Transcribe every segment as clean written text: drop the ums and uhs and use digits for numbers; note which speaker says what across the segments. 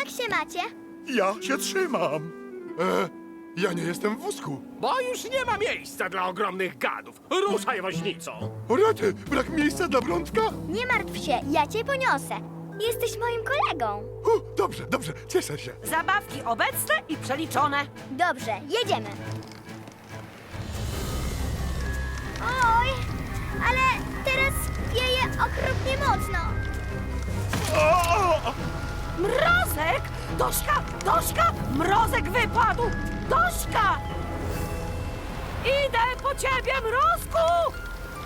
Speaker 1: Jak się macie?
Speaker 2: Ja się trzymam. Ja nie jestem w wózku.
Speaker 3: Bo już nie ma miejsca dla ogromnych gadów. Ruszaj, woźnico!
Speaker 2: O rety, brak miejsca dla Brączka?
Speaker 1: Nie martw się, ja cię poniosę. Jesteś moim kolegą.
Speaker 2: Dobrze, dobrze, cieszę się.
Speaker 4: Zabawki obecne i przeliczone.
Speaker 1: Dobrze, jedziemy. Oj, ale teraz wieje okropnie mocno.
Speaker 4: Mrozek! Dośka! Dośka! Mrozek wypadł! Dośka! Idę po ciebie, Mrozku!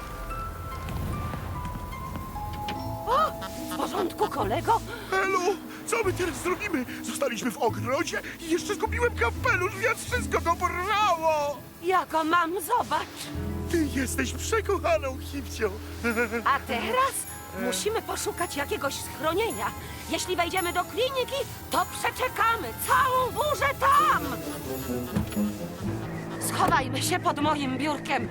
Speaker 4: O! W porządku, kolego?
Speaker 2: Helu, co my teraz zrobimy? Zostaliśmy w ogrodzie i jeszcze zgubiłem kapelusz, więc wszystko to porwało.
Speaker 4: Jako mam, zobacz.
Speaker 2: Ty jesteś przekochaną Hipcią.
Speaker 4: A teraz musimy poszukać jakiegoś schronienia. Jeśli wejdziemy do kliniki, to przeczekamy całą burzę tam! Schowajmy się pod moim biurkiem.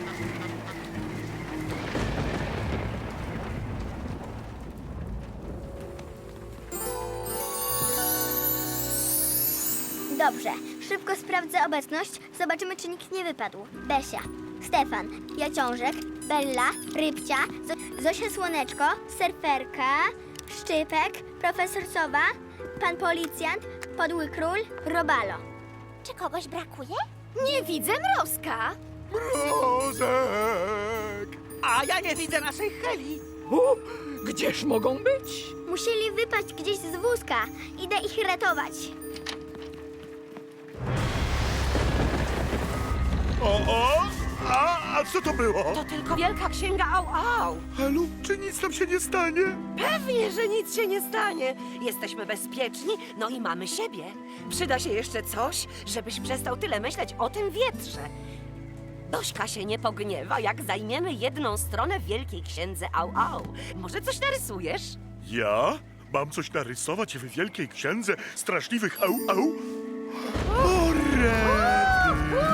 Speaker 1: Dobrze, szybko sprawdzę obecność. Zobaczymy, czy nikt nie wypadł. Besia, Stefan, Jaciążek, Bella, Rybcia, Zosia Słoneczko, Surferka, Szczypek, Profesor Sowa, Pan Policjant, Podły Król, Robalo. Czy kogoś brakuje? Nie widzę Mrozka.
Speaker 2: Mrozek!
Speaker 5: A ja nie widzę naszej Heli. Gdzież mogą być?
Speaker 1: Musieli wypaść gdzieś z wózka. Idę ich ratować.
Speaker 2: A co to było?
Speaker 4: To tylko wielka księga au.
Speaker 2: Helu, czy nic nam się nie stanie?
Speaker 4: Pewnie, że nic się nie stanie. Jesteśmy bezpieczni, no i mamy siebie. Przyda się jeszcze coś, żebyś przestał tyle myśleć o tym wietrze. Dośka się nie pogniewa, jak zajmiemy jedną stronę w Wielkiej Księdze au. Może coś narysujesz?
Speaker 2: Ja? Mam coś narysować w Wielkiej Księdze straszliwych au. O, rety!